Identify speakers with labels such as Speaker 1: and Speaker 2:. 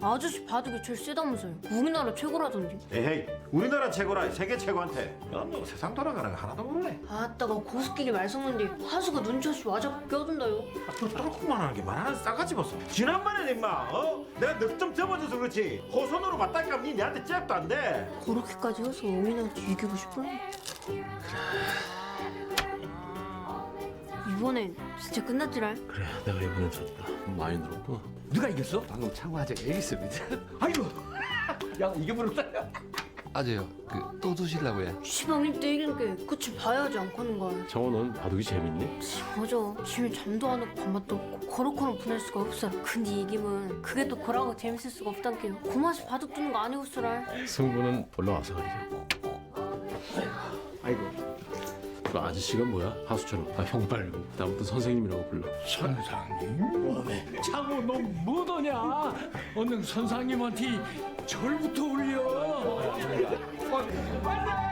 Speaker 1: 아저씨 바둑이 제일 세다면서요. 우리나라 최고라던데.
Speaker 2: 에헤이, 우리나라 최고라 세계 최고한테. 너 세상 돌아가는 거 하나도 모르네.
Speaker 1: 아따가 고수끼리 말 섞는데 하수가 눈치 없이 와자꾸 껴든다요.
Speaker 2: 또 똘콩만 하는 게 말하는 싸가지 벗어. 지난번에 임마, 내가 넉 점 접어줘서 그렇지. 호선으로 맞다니까 니 내한테 잽도 안 돼.
Speaker 1: 그렇게까지 해서 어민한테 이기고 싶었나? 이번엔 진짜 끝났지랄.
Speaker 3: 그래, 내가 이번엔 졌다. 많이 늘었구나.
Speaker 4: 누가 이겼어? 방금 창호 아재가 이겼습니다. 아이고, 야 이겨버렸다.
Speaker 5: 아재요. 또 두실라고 해.
Speaker 1: 시방 1대 1인 게 끝을 봐야지 않고는 걸.
Speaker 3: 정호, 넌 바둑이 재밌니?
Speaker 1: 맞아. 지금 잠도 안 오고 밥맛도 없고 거로거로 보낼 수가 없어. 근데 이기면 그게 또 거라고 재밌을 수가 없단게요. 고맛이 바둑 두는 거 아니고서랄.
Speaker 3: 승부는 올라와서 가리자.
Speaker 4: 아이고,
Speaker 3: 그 아저씨가 뭐야? 하수처럼. 형 말고 나부터 선생님이라고 불러.
Speaker 4: 선상님? 창호 너 뭐더냐? 얼른 선상님한테 절부터 올려.